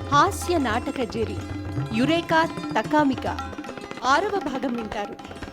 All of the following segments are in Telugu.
హాస్య నాటక జెరి యురేకా తకామిక 6వ భాగం వింటారు.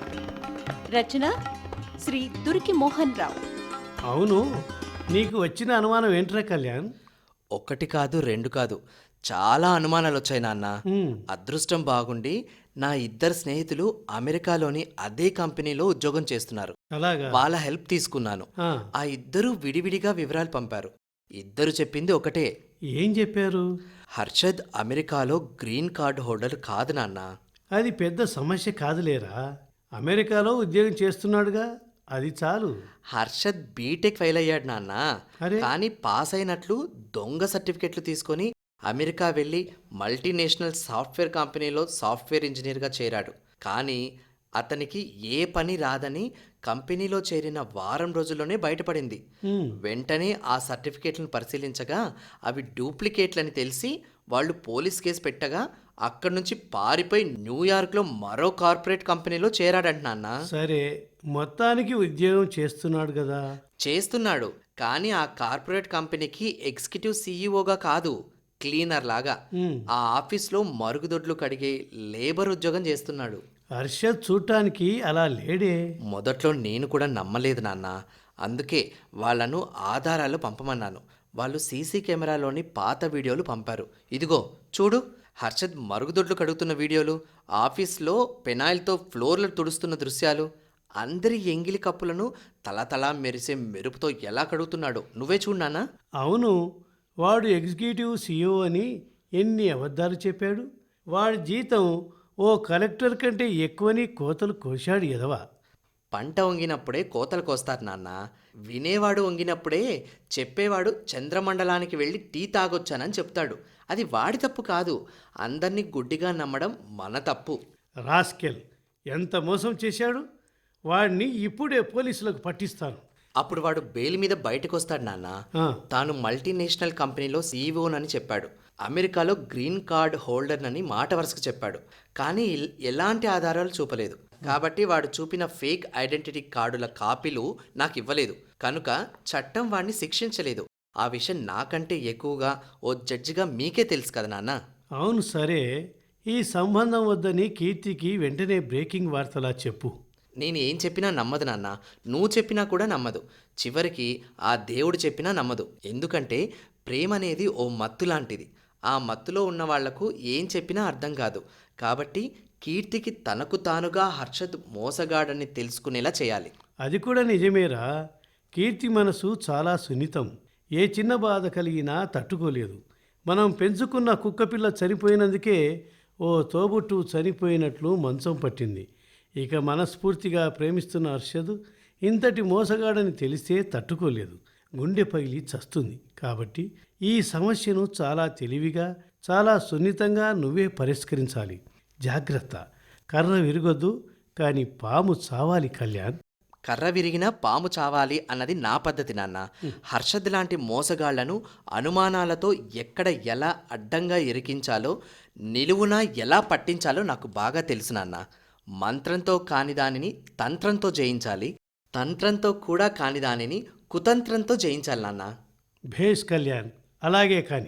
రచన శ్రీ దురికి మోహన్ రావు. అవును, నీకు వచ్చిన అనుమానం ఏంట్రా కళ్యాణ్? ఒకటి కాదు, రెండు కాదు, చాలా అనుమానాలు వచ్చాయి నాన్న. ఉమ్, అదృష్టం బాగుండి నా ఇద్దరు స్నేహితులు అమెరికాలోని అదే కంపెనీలో ఉద్యోగం చేస్తున్నారు. అలాగా? వాళ్ళ హెల్ప్ తీసుకున్నాను. ఆ, ఆ ఇద్దరు విడివిడిగా వివరాలు పంపారు. ఇద్దరు చెప్పింది ఒకటే, ఏం చెప్పారు? హర్షద్ అమెరికాలో గ్రీన్ కార్డ్ హోల్డర్ కాదు నాన్న. అది పెద్ద సమస్య కాదులేరా, అమెరికాలో ఉద్యోగం చేస్తున్నాడుగా, అది చాలు. హర్షద్ బీటెక్ ఫెయిల్ అయ్యాడు నాన్న. అరే, కానీ పాస్ అయినట్లు దొంగ సర్టిఫికెట్లు తీసుకొని అమెరికా వెళ్ళి మల్టీనేషనల్ సాఫ్ట్వేర్ కంపెనీలో సాఫ్ట్వేర్ ఇంజనీర్గా చేరాడు. కానీ అతనికి ఏ పని రాదని కంపెనీలో చేరిన వారం రోజుల్లోనే బయటపడింది. ఉమ్, వెంటనే ఆ సర్టిఫికేట్లను పరిశీలించగా అవి డూప్లికేట్లని తెలిసి వాళ్ళు పోలీస్ కేసు పెట్టగా అక్కడి నుంచి పారిపోయి న్యూయార్క్లో మరో కార్పొరేట్ కంపెనీలో చేరాడంట నాన్న. సరే, మొత్తానికి ఉద్యోగం చేస్తున్నాడు కదా. చేస్తున్నాడు, కానీ ఆ కార్పొరేట్ కంపెనీకి ఎగ్జిక్యూటివ్ సీఈఓగా కాదు, క్లీనర్ లాగా ఉమ్, ఆ ఆఫీస్లో మరుగుదొడ్లు కడిగే లేబర్ ఉద్యోగం చేస్తున్నాడు. హర్షద్ చూడటానికి అలా లేడే. మొదట్లో నేను కూడా నమ్మలేదు నాన్న. అందుకే వాళ్ళను ఆధారాలు పంపమన్నాను. వాళ్ళు సీసీ కెమెరాలోని పాత వీడియోలు పంపారు. ఇదిగో చూడు, హర్షద్ మరుగుదొడ్లు కడుగుతున్న వీడియోలు, ఆఫీస్లో పెనాయిల్తో ఫ్లోర్లు తుడుస్తున్న దృశ్యాలు, అందరి ఎంగిలి కప్పులను తలతలా మెరిసే మెరుపుతో ఎలా కడుగుతున్నాడో నువ్వే చూడు నాన్న. అవును, వాడు ఎగ్జిక్యూటివ్ సీఈఓ అని ఎన్ని అబద్ధాలు చెప్పాడు. వాడి జీతం ఓ కలెక్టర్ కంటే ఎక్కువని కోతలు కోశాడు ఎదవా. పంట వంగినప్పుడే కోతలు కోస్తారు నాన్న. వినేవాడు వంగినప్పుడే చెప్పేవాడు చంద్రమండలానికి వెళ్ళి టీ తాగొచ్చానని చెప్తాడు. అది వాడి తప్పు కాదు, అందరినీ గుడ్డిగా నమ్మడం మన తప్పు. రాస్కెల్ ఎంత మోసం చేశాడు. వాడిని ఇప్పుడే పోలీసులకు పట్టిస్తాను. అప్పుడు వాడు బెయిల్ మీద బయటకు వస్తాడు నాన్న. ఆ, తాను మల్టీనేషనల్ కంపెనీలో సీఈఓనని చెప్పాడు. అమెరికాలో గ్రీన్ కార్డ్ హోల్డర్నని మాట వరుసకు చెప్పాడు. కానీ ఎలాంటి ఆధారాలు చూపలేదు. కాబట్టి వాడు చూపిన ఫేక్ ఐడెంటిటీ కార్డుల కాపీలు నాకు ఇవ్వలేదు. కనుక చట్టం వాడిని శిక్షించలేదు. ఆ విషయం నాకంటే ఎక్కువగా ఓ జడ్జిగా మీకే తెలుసు కదా నాన్న. అవును, సరే, ఈ సంబంధం వద్దని కీర్తికి వెంటనే బ్రేకింగ్ వార్తలా చెప్పు. నేను ఏం చెప్పినా నమ్మదు నాన్న. నువ్వు చెప్పినా కూడా నమ్మదు. చివరికి ఆ దేవుడు చెప్పినా నమ్మదు. ఎందుకంటే ప్రేమ అనేది ఓ మత్తు లాంటిది. ఆ మత్తులో ఉన్న వాళ్లకు ఏం చెప్పినా అర్థం కాదు. కాబట్టి కీర్తికి తనకు తానుగా హర్షద్ మోసగాడని తెలుసుకునేలా చేయాలి. అది కూడా నిజమేరా. కీర్తి మనసు చాలా సున్నితం. ఏ చిన్న బాధ కలిగినా తట్టుకోలేదు. మనం పెంచుకున్న కుక్కపిల్ల చనిపోయినందుకే ఓ తోబుట్టు చనిపోయినట్లు మంచం పట్టింది. ఇక మనస్ఫూర్తిగా ప్రేమిస్తున్న హర్షద్ ఇంతటి మోసగాడని తెలిస్తే తట్టుకోలేదు, గుండె పగిలి చస్తుంది. కాబట్టి ఈ సమస్యను చాలా తెలివిగా, చాలా సున్నితంగా నువ్వే పరిష్కరించాలి. జాగ్రత్త, కర్ర విరగొద్దు, కానీ పాము చావాలి కళ్యాణ్. కర్ర విరిగినా పాము చావాలి అన్నది నా పద్ధతి నాన్న. హర్షద్ లాంటి మోసగాళ్లను అనుమానాలతో ఎక్కడ ఎలా అడ్డంగా ఇరికించాలో, నిలువునా ఎలా పట్టించాలో నాకు బాగా తెలుసు నాన్న. మంత్రంతో కాని దానిని తంత్రంతో జయించాలి, తంత్రంతో కూడా కాని దానిని కుతంత్రంతో జయించాలి నాన్న. భేష్ కళ్యాణ్, అలాగే కానీ.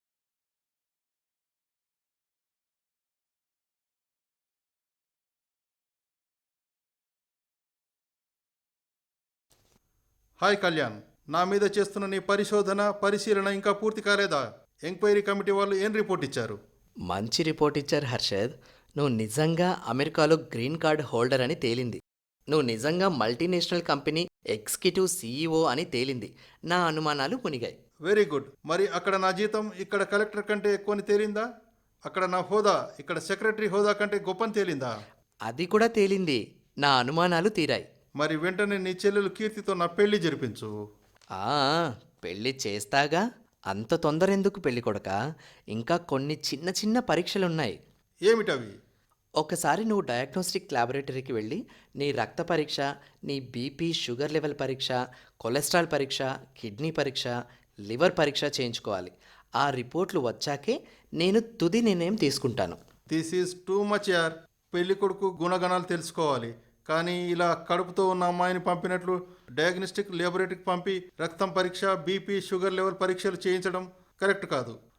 హాయ్ కళ్యాణ్, నా మీద చేస్తున్న నీ పరిశీలన ఇంకా పూర్తి కాలేదా? ఎంక్వైరీ కమిటీ వాళ్ళు ఏం రిపోర్ట్ ఇచ్చారు? మంచి రిపోర్ట్ ఇచ్చారు హర్షద్. నువ్వు నిజంగా అమెరికాలో గ్రీన్ కార్డ్ హోల్డర్ అని తేలింది. నువ్వు నిజంగా మల్టీనేషనల్ కంపెనీ ఎగ్జిక్యూటివ్ సీఈఓ అని తేలింది. నా అనుమానాలు మునిగాయి. Very good. మరి అక్కడ నా జీతం ఇక్కడ కలెక్టర్ కంటే ఎక్కువని తేలిందా? అక్కడ నా హోదా ఇక్కడ సెక్రటరీ హోదా కంటే గొప్పని తేలిందా? అది కూడా తేలింది. నా అనుమానాలు తీరాయి. మరి వెంటనే నీ చెల్లెలు కీర్తితో నా పెళ్లి జరిపించు. ఆ పెళ్ళి చేస్తాగా. అంత తొందర ఎందుకు పెళ్ళి కొడక? ఇంకా కొన్ని చిన్న చిన్న పరీక్షలున్నాయి. ఏమిటవి? ఒకసారి నువ్వు డయాగ్నోస్టిక్ ల్యాబొరేటరీకి వెళ్ళి నీ రక్త పరీక్ష, నీ బీపీ షుగర్ లెవెల్ పరీక్ష, కొలెస్ట్రాల్ పరీక్ష, కిడ్నీ పరీక్ష, లివర్ పరీక్ష చేయించుకోవాలి. ఆ రిపోర్ట్లు వచ్చాకే నేను తుది నిర్ణయం తీసుకుంటాను. దిస్ ఈజ్ టూ మచ్ యార్. పెళ్లి కొడుకు గుణగణాలు తెలుసుకోవాలి. కానీ ఇలా కడుపుతో ఉన్న అమ్మాయిని పంపినట్లు డయాగ్నోస్టిక్ ల్యాబొరేటరీకి పంపి రక్తం పరీక్ష, బీపీ షుగర్ లెవెల్ పరీక్షలు చేయించడం కరెక్ట్ కాదు.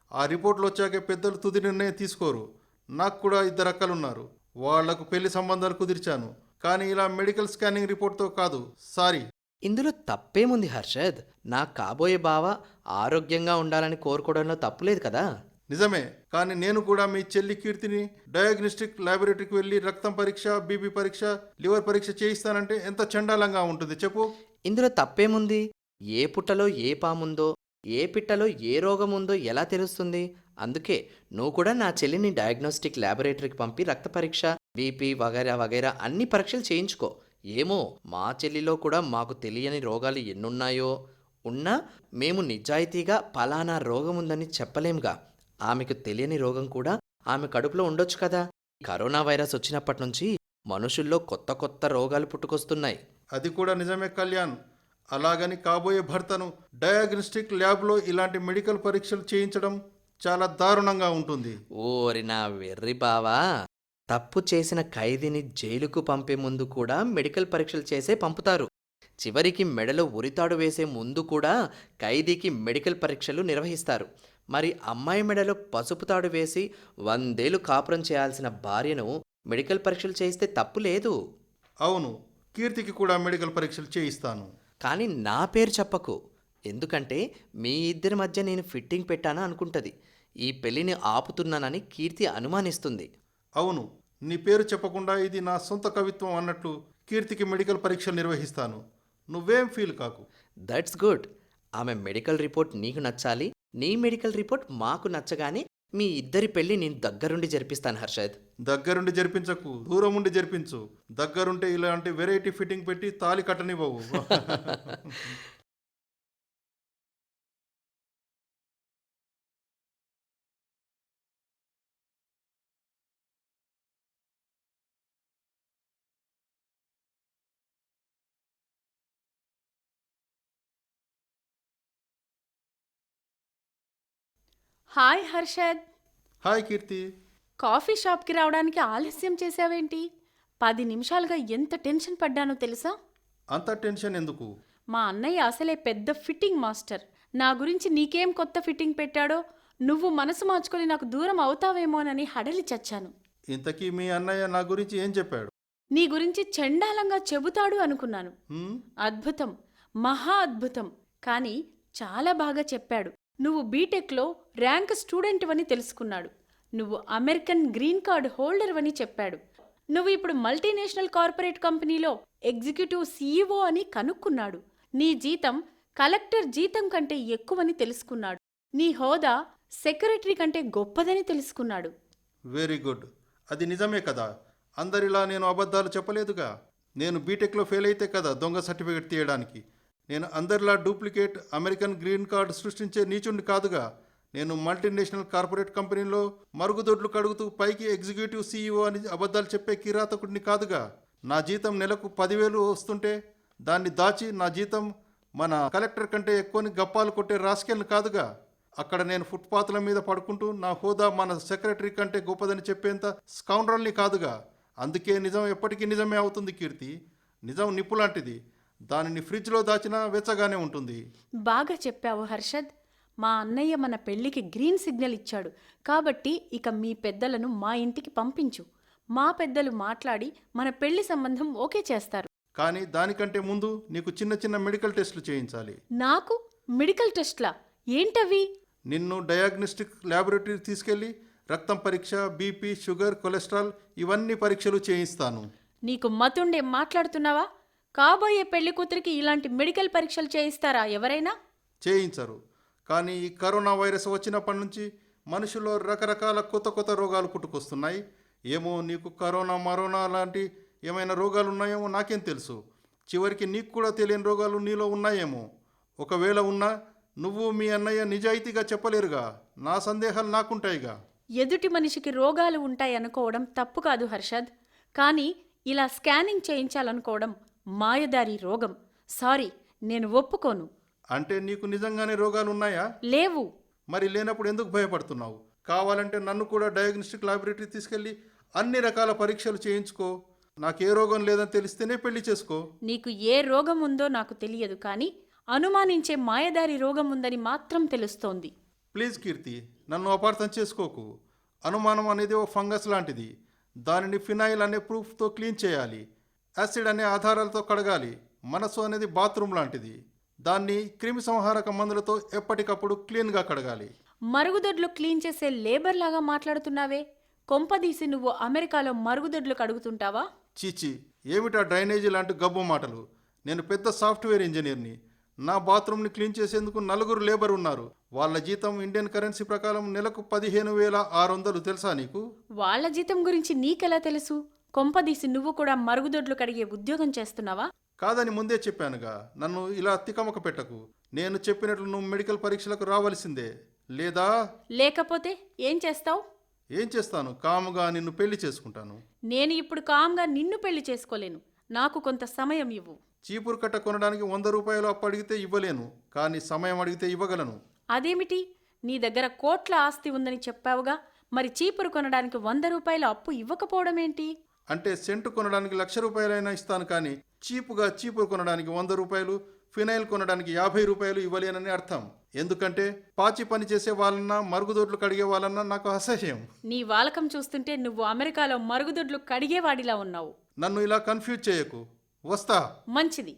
ఆ రిపోర్ట్లు వచ్చాకే పెద్దలు తుది నిర్ణయం తీసుకోరు. నాకు కూడా 2 అక్కలున్నారు. వాళ్లకు పెళ్లి సంబంధాలు కుదిర్చాను. కానీ ఇలా మెడికల్ స్కానింగ్ రిపోర్ట్తో కాదు. సారీ. ఇందులో తప్పేముంది హర్షద్? నా కాబోయే బావ ఆరోగ్యంగా ఉండాలని కోరుకోవడంలో తప్పులేదు కదా. నిజమే, కానీ నేను కూడా మీ చెల్లి కీర్తిని డయాగ్నోస్టిక్ ల్యాబొరేటరీకి వెళ్ళి రక్తం పరీక్ష, బీపీ పరీక్ష, లివర్ పరీక్ష చేయిస్తానంటే ఎంత చండాలంగా ఉంటుంది చెప్పు. ఇందులో తప్పేముంది? ఏ పుట్టలో ఏ పాముందో, ఏ పిట్టలో ఏ రోగం ఉందో ఎలా తెలుస్తుంది? అందుకే నువ్వు కూడా నా చెల్లిని డయాగ్నోస్టిక్ ల్యాబొరేటరీకి పంపి రక్త పరీక్ష, బీపీ వగైరా వగైరా అన్ని పరీక్షలు చేయించుకో. ఏమో మా చెల్లిలో కూడా మాకు తెలియని రోగాలు ఎన్నున్నాయో, ఉన్నా మేము నిజాయితీగా పలానా రోగం ఉందని చెప్పలేంగా. ఆమెకు తెలియని రోగం కూడా ఆమె కడుపులో ఉండొచ్చు కదా. కరోనా వైరస్ వచ్చినప్పటి నుంచి మనుషుల్లో కొత్త కొత్త రోగాలు పుట్టుకొస్తున్నాయి. అది కూడా నిజమే కళ్యాణ్. అలాగని కాబోయే భర్తను డయాగ్నోస్టిక్ ల్యాబ్లో ఇలాంటి మెడికల్ పరీక్షలు చేయించడం చాలా దారుణంగా ఉంటుంది. ఓరి నా వెర్రి బావా, తప్పు చేసిన ఖైదీని జైలుకు పంపే ముందు కూడా మెడికల్ పరీక్షలు చేసే పంపుతారు. చివరికి మెడలో ఉరితాడు వేసే ముందు కూడా ఖైదీకి మెడికల్ పరీక్షలు నిర్వహిస్తారు. మరి అమ్మాయి మెడలో పసుపు తాడు వేసి 100 ఏళ్లు కాపురం చేయాల్సిన భార్యను మెడికల్ పరీక్షలు చేయిస్తే తప్పు లేదు. అవును, కీర్తికి కూడా మెడికల్ పరీక్షలు చేయిస్తాను. కానీ నా పేరు చెప్పకు, ఎందుకంటే మీ ఇద్దరి మధ్య నేను ఫిట్టింగ్ పెట్టానా అనుకుంటుంది. ఈ పెళ్లిని ఆపుతున్నానని కీర్తి అనుమానిస్తుంది. అవును, నీ పేరు చెప్పకుండా ఇది నా సొంత కవిత్వం అన్నట్లు కీర్తికి మెడికల్ పరీక్షలు నిర్వహిస్తాను. నువ్వేం ఫీల్ కాకు. That's good. ఆమె మెడికల్ రిపోర్ట్ నీకు నచ్చాలి, నీ మెడికల్ రిపోర్ట్ మాకు నచ్చగానే మీ ఇద్దరి పెళ్లి నేను దగ్గరుండి జరిపిస్తాను హర్షద్. దగ్గరుండి జరిపించకు, దూరం ఉండి జరిపించు. దగ్గరుంటే ఇలాంటి వెరైటీ ఫిట్టింగ్ పెట్టి తాళి కట్టనివ్వవు. Hi Harshad. Hi Keerthi. Coffee షాప్కి రావడానికి ఆలస్యం చేసావేంటి? 10 నిమిషాలుగా ఎంత టెన్షన్ పడ్డానో తెలుసా? అంత టెన్షన్ ఎందుకు? మా అన్నయ్య అసలే పెద్ద ఫిట్టింగ్ మాస్టర్. నా గురించి నీకేం కొత్త ఫిట్టింగ్ పెట్టాడో, నువ్వు మనసు మార్చుకొని నాకు దూరం అవుతావేమోనని హడలి చచ్చాను. ఇంతకీ మీ అన్నయ్య నా గురించి ఏం చెప్పాడు? నీ గురించి చండాలంగా చెబుతాడు అనుకున్నాను. హ్మ్? అద్భుతం, మహా అద్భుతం. కానీ చాలా బాగా చెప్పాడు. నువ్వు బీటెక్లో ర్యాంక్ స్టూడెంట్ అని తెలుసుకున్నాడు. నువ్వు అమెరికన్ గ్రీన్ కార్డ్ హోల్డర్ అని చెప్పాడు. నువ్వు ఇప్పుడు మల్టీనేషనల్ కార్పొరేట్ కంపెనీలో ఎగ్జిక్యూటివ్ సీఈఓ అని కనుక్కున్నాడు. నీ జీతం కలెక్టర్ జీతం కంటే ఎక్కువని తెలుసుకున్నాడు. నీ హోదా సెక్రటరీ కంటే గొప్పదని తెలుసుకున్నాడు. Very good. అది నిజమే కదా. అందరిలా నేను అబద్ధాలు చెప్పలేదుగా. నేను బీటెక్లో ఫెయిల్ అయితే కదా దొంగ సర్టిఫికెట్ తీయడానికి. నేను అందరిలా డూప్లికేట్ అమెరికన్ గ్రీన్ కార్డు సృష్టించే నీచుండి కాదుగా. నేను మల్టీనేషనల్ కార్పొరేట్ కంపెనీలో మరుగుదొడ్లు కడుగుతూ పైకి ఎగ్జిక్యూటివ్ సీఈఓ అని అబద్ధాలు చెప్పే కిరాతకుడిని కాదుగా. నా జీతం నెలకు 10,000 వస్తుంటే దాన్ని దాచి నా జీతం మన కలెక్టర్ కంటే ఎక్కువని గప్పాలు కొట్టే రాస్కెల్ని కాదుగా. అక్కడ నేను ఫుట్పాత్ల మీద పడుకుంటూ నా హోదా మన సెక్రటరీ కంటే గొప్పదని చెప్పేంత స్కౌండ్రల్ని కాదుగా. అందుకే నిజం ఎప్పటికీ నిజమే అవుతుంది కీర్తి. నిజం నిప్పు లాంటిది. దానిని ఫ్రిడ్జ్లో దాచినా వెచ్చగానే ఉంటుంది. బాగా చెప్పావు హర్షద్. మా అన్నయ్య మన పెళ్లికి గ్రీన్ సిగ్నల్ ఇచ్చాడు. కాబట్టి ఇక మీ పెద్దలను మా ఇంటికి పంపించు. మా పెద్దలు మాట్లాడి మన పెళ్లి సంబంధం ఓకే చేస్తారు. కానీ దానికంటే ముందు నీకు చిన్న చిన్న మెడికల్ టెస్టులు చేయించాలి. నాకు మెడికల్ టెస్ట్లా? ఏంటవి? నిన్ను డయాగ్నోస్టిక్ ల్యాబొరేటరీ తీసుకెళ్లి రక్తం పరీక్ష, బీపీ, షుగర్, కొలెస్ట్రాల్ ఇవన్నీ పరీక్షలు చేయిస్తాను. నీకు మతుండే మాట్లాడుతున్నావా? కాబోయే పెళ్లి కూతురికి ఇలాంటి మెడికల్ పరీక్షలు చేయిస్తారా ఎవరైనా? చేయించరు. కానీ ఈ కరోనా వైరస్ వచ్చినప్పటి నుంచి మనుషుల్లో రకరకాల కొత్త కొత్త రోగాలు పుట్టుకొస్తున్నాయి. ఏమో నీకు కరోనా లాంటి ఏమైనా రోగాలు ఉన్నాయేమో నాకేం తెలుసు. చివరికి నీకు కూడా తెలియని రోగాలు నీలో ఉన్నాయేమో. ఒకవేళ ఉన్నా నువ్వు మీ అన్నయ్య నిజాయితీగా చెప్పలేరుగా. నా సందేహాలు నాకుంటాయిగా. ఎదుటి మనిషికి రోగాలు ఉంటాయనుకోవడం తప్పు కాదు హర్షద్. కానీ ఇలా స్కానింగ్ చేయించాలనుకోవడం మాయదారి రోగం. సారీ, నేను ఒప్పుకోను. అంటే నీకు నిజంగానే రోగాలు ఉన్నాయా? లేవు. మరి లేనప్పుడు ఎందుకు భయపడుతున్నావు? కావాలంటే నన్ను కూడా డయాగ్నోస్టిక్ ల్యాబొరేటరీ తీసుకెళ్ళి అన్ని రకాల పరీక్షలు చేయించుకో. నాకు ఏ రోగం లేదని తెలిస్తేనే పెళ్లి చేసుకో. నీకు ఏ రోగం ఉందో నాకు తెలియదు, కానీ అనుమానించే మాయదారి రోగం ఉందని మాత్రం తెలుస్తోంది. ప్లీజ్ కీర్తి, నన్ను అపార్థం చేసుకోకు. అనుమానం అనేది ఓ ఫంగస్ లాంటిది. దానిని ఫినాయిల్ అనే ప్రూఫ్తో క్లీన్ చేయాలి. యాసిడ్ అనే ఆధారాలతో కడగాలి. మనసు అనేది బాత్రూమ్ లాంటిది. దాన్ని క్రిమి సంహారక మందులతో ఎప్పటికప్పుడు క్లీన్గా కడగాలి. మరుగుదొడ్లు క్లీన్ చేసే లేబర్ లాగా మాట్లాడుతున్నావే. కొంపదీసి నువ్వు అమెరికాలో మరుగుదొడ్లు కడుగుతుంటావా? చీచి, ఏమిటా డ్రైనేజీ లాంటి గబ్బు మాటలు? నేను పెద్ద సాఫ్ట్వేర్ ఇంజనీర్ని. నా బాత్రూమ్ని క్లీన్ చేసేందుకు 4 లేబర్ ఉన్నారు. వాళ్ళ జీతం ఇండియన్ కరెన్సీ ప్రకారం నెలకు 15,600. తెలుసా నీకు? వాళ్ళ జీతం గురించి నీకెలా తెలుసు? కొంపదీసి నువ్వు కూడా మరుగుదొడ్లు కడిగే ఉద్యోగం చేస్తున్నావా? కాదని ముందే చెప్పానుగా. నన్ను ఇలా తికమక పెట్టకు. నేను చెప్పినట్లు నువ్వు మెడికల్ పరీక్షలకు రావాల్సిందే. లేదా లేకపోతే ఏం చేస్తావు? ఏం చేస్తాను? కాముగా నిన్ను పెళ్లి చేసుకుంటాను. నేను ఇప్పుడు కామ్గా నిన్ను పెళ్లి చేసుకోలేను. నాకు కొంత సమయం ఇవ్వు. చీపురు కట్ట కొనడానికి 100 రూపాయలు అప్పు అడిగితే ఇవ్వలేను, కానీ సమయం అడిగితే ఇవ్వగలను. అదేమిటి? నీ దగ్గర కోట్ల ఆస్తి ఉందని చెప్పావుగా, మరి చీపురు కొనడానికి 100 రూపాయల అప్పు ఇవ్వకపోవడం ఏంటి? అంటే సెంటు కొనడానికి 1,00,000 రూపాయలైనా ఇస్తాను, కానీ చీపుగా చీపురు కొనడానికి 100 రూపాయలు, ఫినైల్ కొనడానికి 50 రూపాయలు ఇవ్వలేనని అర్థం. ఎందుకంటే పాచి పని చేసే వాళ్ళన్నా మరుగుదొడ్లు కడిగే వాళ్ళన్నా నాకు అసహ్యం. నీ వాలకం చూస్తుంటే నువ్వు అమెరికాలో మరుగుదొడ్లు కడిగేవాడిలా ఉన్నావు. నన్ను ఇలా కన్ఫ్యూజ్ చేయకు. వస్తా. మంచిది.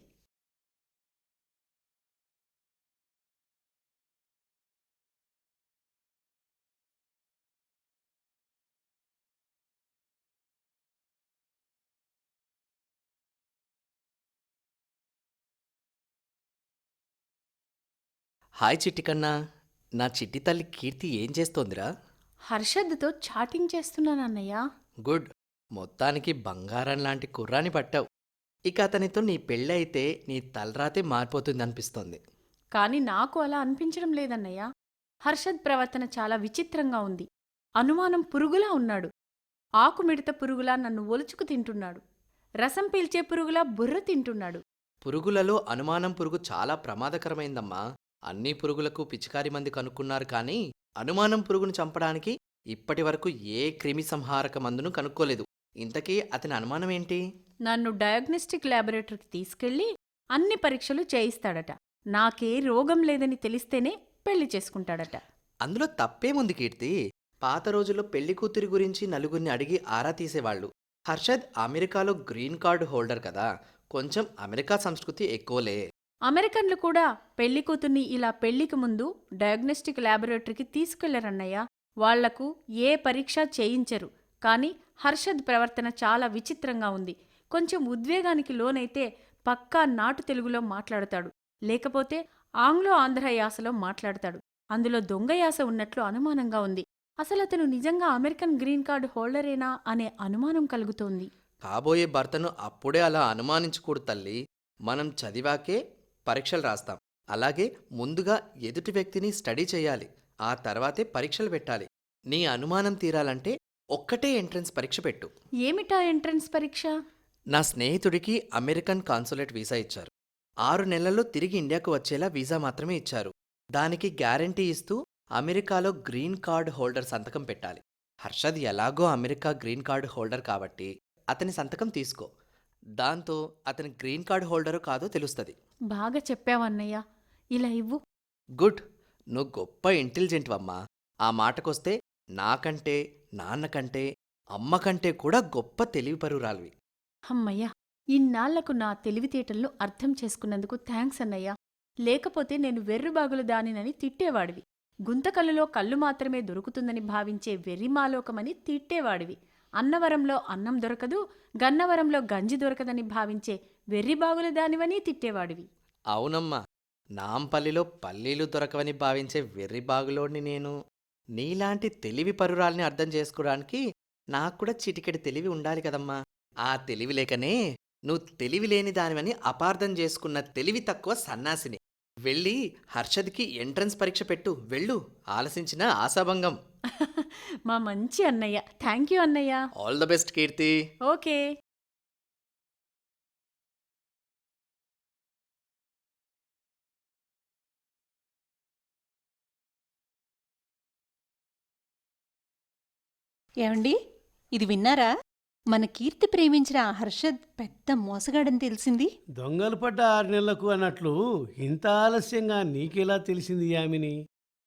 హాయ్ చిట్టి కన్నా. నా చిట్టి తల్లి కీర్తి ఏం చేస్తోందిరా? హర్షద్తో చాటింగ్ చేస్తున్నానన్నయ్య. గుడ్. మొత్తానికి బంగారం లాంటి కుర్రాని పట్టావు. ఇక అతనితో నీ పెళ్ళి అయితే నీ తలరాతే మారిపోతుంది అనిపిస్తోంది. కానీ నాకు అలా అనిపించడం లేదన్నయ్య. హర్షద్ ప్రవర్తన చాలా విచిత్రంగా ఉంది. అనుమానం పురుగులా ఉన్నాడు. ఆకుమిడత పురుగులా నన్ను ఒలుచుకు తింటున్నాడు. రసం పీల్చే పురుగులా బుర్ర తింటున్నాడు. పురుగులలో అనుమానం పురుగు చాలా ప్రమాదకరమైందమ్మా. అన్ని పురుగులకు పిచికారి మంది కనుక్కున్నారు, కానీ అనుమానం పురుగును చంపడానికి ఇప్పటి వరకు ఏ క్రిమి సంహారక మందును కనుక్కోలేదు. ఇంతకీ అతని అనుమానం ఏంటి? నన్ను డయాగ్నోస్టిక్ ల్యాబొరేటరీకి తీసుకెళ్లి అన్ని పరీక్షలు చేయిస్తాడట. నాకే రోగం లేదని తెలిస్తేనే పెళ్లి చేసుకుంటాడట. అందులో తప్పేముంది కీర్తి? పాత రోజుల్లో పెళ్లి కూతురి గురించి నలుగురిని అడిగి ఆరా తీసేవాళ్లు. హర్షద్ అమెరికాలో గ్రీన్ కార్డు హోల్డర్ కదా, కొంచెం అమెరికా సంస్కృతి ఎక్కువలే. అమెరికన్లు కూడా పెళ్లి కూతుర్ని ఇలా పెళ్లికి ముందు డయాగ్నోస్టిక్ ల్యాబొరేటరీకి తీసుకెళ్లరన్నయ్య. వాళ్లకు ఏ పరీక్ష చేయించరు. కానీ హర్షద్ ప్రవర్తన చాలా విచిత్రంగా ఉంది. కొంచెం ఉద్వేగానికి లోనైతే పక్కా నాటు తెలుగులో మాట్లాడతాడు, లేకపోతే ఆంగ్లో ఆంధ్ర యాసలో మాట్లాడతాడు. అందులో దొంగ యాస ఉన్నట్లు అనుమానంగా ఉంది. అసలు అతను నిజంగా అమెరికన్ గ్రీన్ కార్డు హోల్డరేనా అనే అనుమానం కలుగుతోంది. కాబోయే భర్తను అప్పుడే అలా అనుమానించకూడదు తల్లి. మనం చదివాకే పరీక్షలు రాస్తాం. అలాగే ముందుగా ఎదుటి వ్యక్తిని స్టడీ చేయాలి. ఆ తర్వాతే పరీక్షలు పెట్టాలి. నీ అనుమానం తీరాలంటే ఒక్కటే ఎంట్రన్స్ పరీక్ష పెట్టు. ఏమిటా ఎంట్రన్స్ పరీక్ష? నా స్నేహితుడికి అమెరికన్ కాన్సులేట్ వీసా ఇచ్చారు. 6 నెలల్లో తిరిగి ఇండియాకు వచ్చేలా వీసా మాత్రమే ఇచ్చారు. దానికి గ్యారంటీ ఇస్తూ అమెరికాలో గ్రీన్ కార్డ్ హోల్డర్ సంతకం పెట్టాలి. హర్షద్ ఎలాగో అమెరికా గ్రీన్ కార్డు హోల్డర్ కాబట్టి అతని సంతకం తీసుకో. దాంతో అతని గ్రీన్ కార్డు హోల్డరో కాదో తెలుస్తుంది. బాగా చెప్పావన్నయ్య. ఇలా ఇవ్వు. గుడ్. నువ్వు గొప్ప ఇంటెలిజెంట్వమ్మా. ఆ మాటకొస్తే నాకంటే, నాన్నకంటే, అమ్మకంటే కూడా గొప్ప తెలివిపరురాలివి. అమ్మయ్య, ఇన్నాళ్లకు నా తెలివితేటలను అర్థం చేసుకున్నందుకు థ్యాంక్స్ అన్నయ్య. లేకపోతే నేను వెర్రుబాగులు దానినని తిట్టేవాడివి. గుంతకల్లులో కళ్ళు మాత్రమే దొరుకుతుందని భావించే వెర్రిమాలోకమని తిట్టేవాడివి. అన్నవరంలో అన్నం దొరకదు, గన్నవరంలో గంజి దొరకదని భావించే వెర్రిబాగుల దానివని తిట్టేవాడివి. అవునమ్మా, నాంపల్లిలో పల్లీలు దొరకవని భావించే వెర్రిబాగులోని నేను. నీలాంటి తెలివి పరురాల్ని అర్థం చేసుకోవడానికి నాక్కూడా చిటికెడి తెలివి ఉండాలి కదమ్మా. ఆ తెలివి లేకనే నువ్వు తెలివి లేని దానివని అపార్థం చేసుకున్న తెలివి తక్కువ సన్నాసిని. వెళ్ళి హర్షద్కి ఎంట్రన్స్ పరీక్ష పెట్టు. వెళ్ళు. ఆలసించిన ఆశాభంగం. మా మంచి అన్నయ్య. థ్యాంక్ యూ అన్నయ్య. All the best Keerthi. Okay. ఏమండి, ఇది విన్నారా? మన కీర్తి ప్రేమించిన ఆ హర్షద్ పెద్ద మోసగాడని తెలిసింది. దొంగలు పడ్డ 6 నెలలకు అన్నట్లు ఇంత ఆలస్యంగా నీకెలా తెలిసింది యామిని?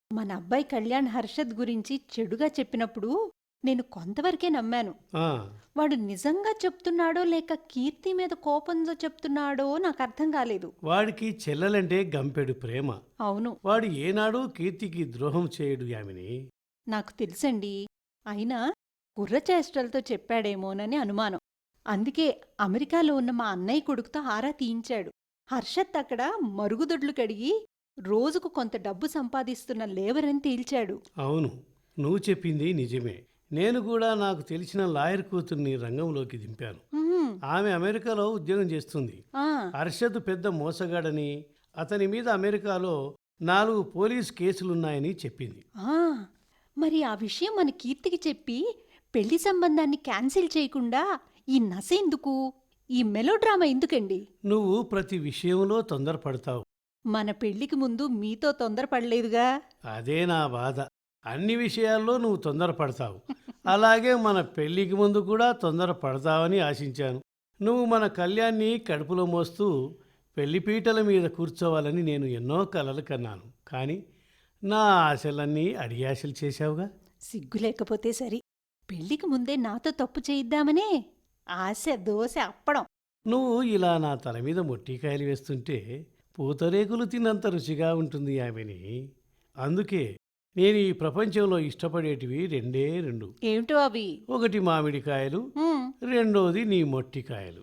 మన అబ్బాయి కళ్యాణ్ హర్షద్ గురించి చెడుగా చెప్పినప్పుడు నేను కొంతవరకే నమ్మాను. ఆ, వాడు నిజంగా చెప్తున్నాడో లేక కీర్తి మీద కోపంతో చెప్తున్నాడో నాకు అర్థం కాలేదు. వాడికి చెల్లెలంటే గంపెడు ప్రేమ. అవును, వాడు ఏనాడూ కీర్తికి ద్రోహం చేయడు యామిని. నాకు తెలుసండి. అయినా కుర్రచేష్టలతో చెప్పాడేమోనని అనుమానం. అందుకే అమెరికాలో ఉన్న మా అన్నయ్య కొడుకుతో ఆరా తీయించాడు. హర్షత్ అక్కడ మరుగుదొడ్లు కడిగి రోజుకు కొంత డబ్బు సంపాదిస్తున్న లేబరని తేల్చాడు. అవును, నువ్వు చెప్పింది నిజమే. నేను కూడా నాకు తెలిసిన లాయర్ కూతుర్ని రంగంలోకి దింపాను. ఉహుం, ఆమె అమెరికాలో ఉద్యోగం చేస్తుంది. ఆ, హర్షద్ పెద్ద మోసగాడని, అతని మీద అమెరికాలో 4 పోలీస్ కేసులున్నాయని చెప్పింది. ఆ, మరి ఆ విషయం మన కీర్తికి చెప్పి పెళ్లి సంబంధాన్ని క్యాన్సిల్ చేయకుండా ఈ నస ఎందుకు, ఈ మెలోడ్రామా ఎందుకండి? నువ్వు ప్రతి విషయంలో తొందరపడతావు. మన పెళ్లికి ముందు మీతో తొందరపడలేదుగా. అదే నా బాధ. అన్ని విషయాల్లో నువ్వు తొందరపడతావు. అలాగే మన పెళ్ళికి ముందు కూడా తొందరపడతావని ఆశించాను. నువ్వు మన కళ్యాణ్ని కడుపులో మోస్తూ పెళ్లిపీటల మీద కూర్చోవాలని నేను ఎన్నో కలలు కన్నాను. కానీ నా ఆశలన్నీ అడియాశలు చేశావుగా. సిగ్గు లేకపోతే సరి. పెళ్లికి ముందే నాతో తప్పు చేయిద్దామనే ఆశ దోశ అప్పడం. నువ్వు ఇలా నా తల మీద మొట్టికాయలు వేస్తుంటే పూతరేకులు తిన్నంత రుచిగా ఉంటుంది ఆమెని. అందుకే నేను ఈ ప్రపంచంలో ఇష్టపడేటివి రెండే రెండు. ఏమిటో అవి? ఒకటి మామిడికాయలు, హ్మ్. రెండోది నీ మొట్టికాయలు.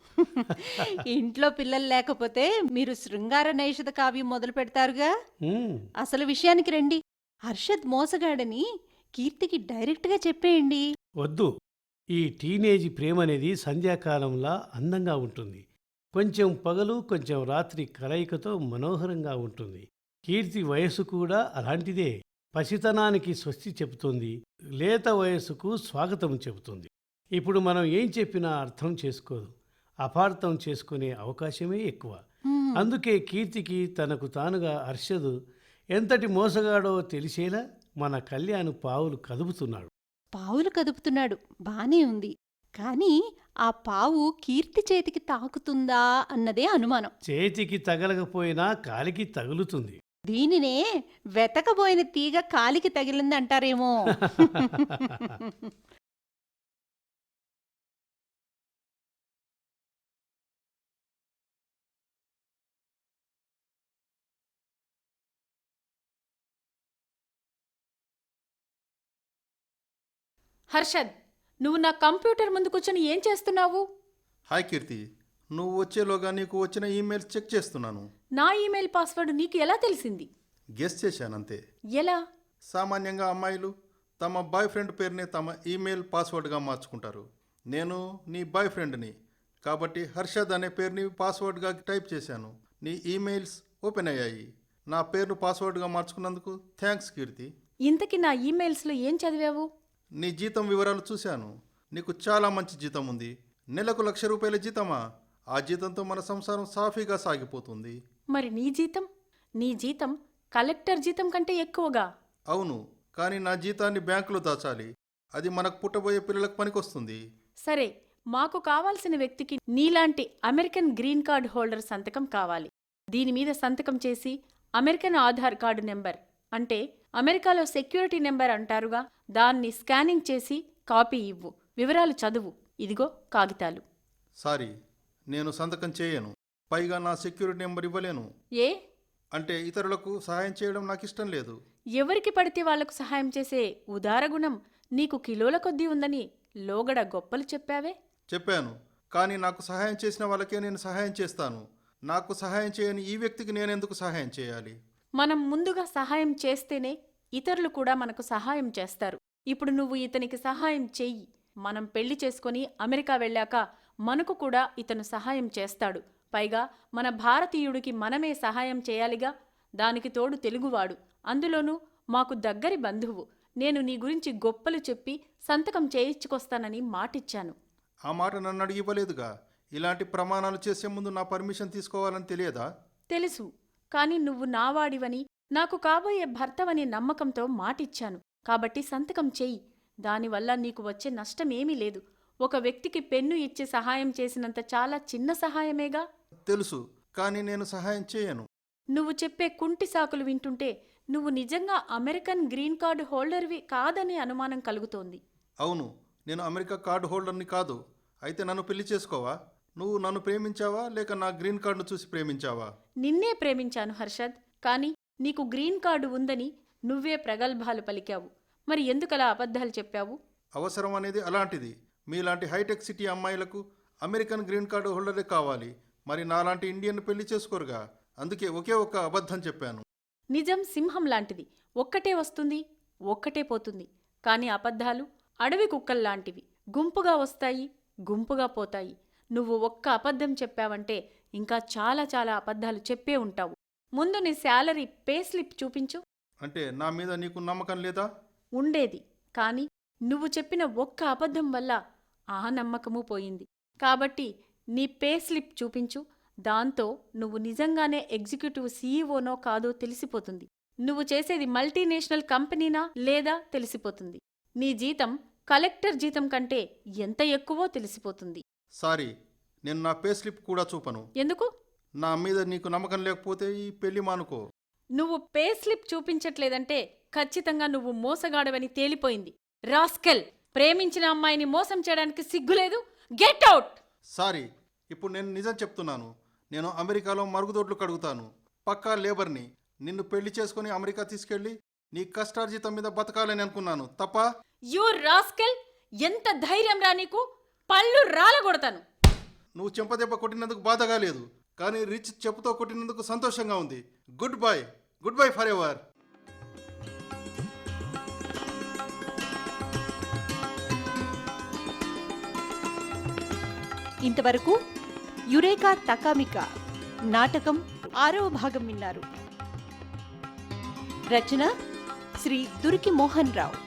ఇంట్లో పిల్లలు లేకపోతే మీరు శృంగార నైషధ కావ్యం మొదలు పెడతారుగా. ఉమ్, అసలు విషయానికి రండి. హర్షద్ మోసగాడని కీర్తికి డైరెక్ట్గా చెప్పేయండి. వద్దు. ఈ టీనేజీ ప్రేమ అనేది సంధ్యాకాలంలా అందంగా ఉంటుంది. కొంచెం పగలు కొంచెం రాత్రి కలయికతో మనోహరంగా ఉంటుంది. కీర్తి వయస్సు కూడా అలాంటిదే. పసితనానికి స్వస్తి చెబుతుంది, లేత వయస్సుకు స్వాగతం చెబుతుంది. ఇప్పుడు మనం ఏం చెప్పినా అర్థం చేసుకోదు, అపార్థం చేసుకునే అవకాశమే ఎక్కువ. హ్మ్. అందుకే కీర్తికి తనకు తానుగా హర్షదు ఎంతటి మోసగాడో తెలిసేలా మన కళ్యాణ్ పావులు కదుపుతున్నాడు. పావులు కదుపుతున్నాడు, బానే ఉంది. కానీ ఆ పావు కీర్తి చేతికి తాకుతుందా అన్నదే అనుమానం. చేతికి తగలకపోయినా కాలికి తగులుతుంది. దీనినే వెతకబోయిన తీగ కాలికి తగిలిందంటారేమో. హర్షద్, నువ్వు నా కంప్యూటర్ ముందు కూర్చొని ఏం చేస్తున్నావు? హాయ్ కీర్తి, నువ్వు వచ్చేలోగా నీకు వచ్చిన ఈమెయిల్స్ చెక్ చేస్తున్నాను. నా ఈమెయిల్ పాస్వర్డ్ నీకు ఎలా తెలిసింది? గెస్ చేశానంతే. ఎలా? సామాన్యంగా అమ్మాయిలు తమ బాయ్ ఫ్రెండ్ పేరుని తమ ఈమెయిల్ పాస్వర్డ్గా మార్చుకుంటారు. నేను నీ బాయ్ ఫ్రెండ్ని కాబట్టి హర్షద్ అనే పేరుని పాస్వర్డ్గా టైప్ చేశాను. నీ ఈమెయిల్స్ ఓపెన్ అయ్యాయి. నా పేరును పాస్వర్డ్గా మార్చుకున్నందుకు థ్యాంక్స్ కీర్తి. ఇంతకీ నా ఈమెయిల్స్లో ఏం చదివావు? నీ జీతం వివరాలు చూశాను. నీకు చాలా మంచి జీతం ఉంది. నెలకు ₹1,00,000 జీతమా? ఆ జీతంతో మన సంసారం సాఫీగా సాగిపోతుంది. మరి నీ జీతం? నీ జీతం కలెక్టర్ జీతం కంటే ఎక్కువగా. అవును, కానీ నా జీతాన్ని బ్యాంకులో దాచాలి. అది మనకు పుట్టబోయే పిల్లలకు పనికొస్తుంది. సరే, మాకు కావాల్సిన వ్యక్తికి నీలాంటి అమెరికన్ గ్రీన్ కార్డ్ హోల్డర్ సంతకం కావాలి. దీని మీద సంతకం చేసి అమెరికన్ ఆధార్ కార్డు నెంబర్, అంటే అమెరికాలో సెక్యూరిటీ నెంబర్ అంటారుగా, దాన్ని స్కానింగ్ చేసి కాపీ ఇవ్వు. వివరాలు చదువు. ఇదిగో కాగితాలు. సారీ, నేను సంతకం చేయను. పైగా నా సెక్యూరిటీ నెంబర్ ఇవ్వలేను. ఏ? అంటే ఇతరులకు సహాయం చేయడం నాకు ఇష్టం లేదు. ఎవరికి పడితే వాళ్లకు సహాయం చేసే ఉదారగుణం నీకు కిలోల కొద్దీ ఉందని లోగడ గొప్పలు చెప్పావే. చెప్పాను, కానీ నాకు సహాయం చేసిన వాళ్ళకే నేను సహాయం చేస్తాను. నాకు సహాయం చేయని ఈ వ్యక్తికి నేనెందుకు సహాయం చేయాలి? మనం ముందుగా సహాయం చేస్తేనే ఇతరులు కూడా మనకు సహాయం చేస్తారు. ఇప్పుడు నువ్వు ఇతనికి సహాయం చెయ్యి. మనం పెళ్లి చేసుకొని అమెరికా వెళ్ళాక మనకు కూడా ఇతను సహాయం చేస్తాడు. పైగా మన భారతీయుడికి మనమే సహాయం చేయాలిగా. దానికి తోడు తెలుగువాడు, అందులోనూ మాకు దగ్గరి బంధువు. నేను నీ గురించి గొప్పలు చెప్పి సంతకం చేయించుకొస్తానని మాటిచ్చాను. ఆ మాట నన్ను అడిగి ఇవ్వలేదుగా. ఇలాంటి ప్రమాణాలు చేసే ముందు నా పర్మిషన్ తీసుకోవాలని తెలియదా? తెలుసు, కానీ నువ్వు నావాడివని, నాకు కాబోయే భర్తవనే నమ్మకంతో మాటిచ్చాను. కాబట్టి సంతకం చెయ్యి. దానివల్ల నీకు వచ్చే నష్టమేమీ లేదు. ఒక వ్యక్తికి పెన్ను ఇచ్చి సహాయం చేసినంత చాలా చిన్న సహాయమేగా. తెలుసు, కానీ నేను సహాయం చేయను. నువ్వు చెప్పే కుంటి సాకులు వింటుంటే నువ్వు నిజంగా అమెరికన్ గ్రీన్ కార్డు హోల్డర్వి కాదనే అనుమానం కలుగుతోంది. అవును, నేను అమెరికా కార్డు హోల్డర్ని కాదు. అయితే నన్ను పెళ్లి చేసుకోవా? నువ్వు నన్ను ప్రేమించావా లేక నా గ్రీన్ కార్డును చూసి ప్రేమించావా? నిన్నే ప్రేమించాను హర్షద్, కానీ నీకు గ్రీన్ కార్డు ఉందని నువ్వే ప్రగల్భాలు పలికావు. మరి ఎందుకలా అబద్ధాలు చెప్పావు? అవసరం అనేది అలాంటిది. మీలాంటి హైటెక్ సిటీ అమ్మాయిలకు అమెరికన్ గ్రీన్ కార్డు హోల్డరే కావాలి. మరి నాలాంటి ఇండియన్ పెళ్లి చేసుకోరుగా. అందుకే ఒకే ఒక్క అబద్ధం చెప్పాను. నిజం సింహం లాంటిది, ఒక్కటే వస్తుంది, ఒక్కటే పోతుంది. కానీ అబద్ధాలు అడవి కుక్కల్లాంటివి, గుంపుగా వస్తాయి, గుంపుగా పోతాయి. నువ్వు ఒక్క అబద్ధం చెప్పావంటే ఇంకా చాలా చాలా అబద్ధాలు చెప్పే ఉంటావు. ముందు నీ శాలరీ పే స్లిప్ చూపించు. అంటే నా మీద నీకు నమ్మకం లేదా? ఉండేది, కానీ నువ్వు చెప్పిన ఒక్క అబద్ధం వల్ల ఆ నమ్మకమూ పోయింది. కాబట్టి నీ పే స్లిప్ చూపించు. దాంతో నువ్వు నిజంగానే ఎగ్జిక్యూటివ్ సీఈఓనో కాదో తెలిసిపోతుంది. నువ్వు చేసేది మల్టీనేషనల్ కంపెనీనా లేదా తెలిసిపోతుంది. నీ జీతం కలెక్టర్ జీతం కంటే ఎంత ఎక్కువో తెలిసిపోతుంది. సారీ, నేను నా పే స్లిప్ కూడా చూపను. ఎందుకు? నా మీద నీకు నమ్మకం లేకపోతే ఈ పెళ్లి మానుకో. నువ్వు పే స్లిప్ చూపించట్లేదంటే ఖచ్చితంగా నువ్వు మోసగాడవని తేలిపోయింది. రాస్కెల్! ప్రేమించిన అమ్మాయిని మోసం చేయడానికి సిగ్గులేదు? Get out! సారీ, ఇప్పుడు నేను నిజం చెప్తున్నాను. నేను అమెరికాలో మరుగుదొడ్లు కడుగుతాను. పక్కా లేబర్ని. నిన్ను పెళ్లి చేసుకుని అమెరికా తీసుకెళ్ళి నీ కష్టార్జితం మీద బతకాలని అనుకున్నాను. తప్ప? You rascal! ఎంత ధైర్యం రా నీకు! పళ్ళు రాలగొడతాను. నువ్వు చెంపదెబ్బ కొట్టినందుకు బాధగా లేదు, కానీ రిచ్ చెప్పుతో కొట్టినందుకు సంతోషంగా ఉంది. Goodbye, goodbye forever. ఇంతవరకు యురేకా తకామికా నాటకం 6వ భాగం విన్నారు. రచన శ్రీ దురికి మోహన్ రావు.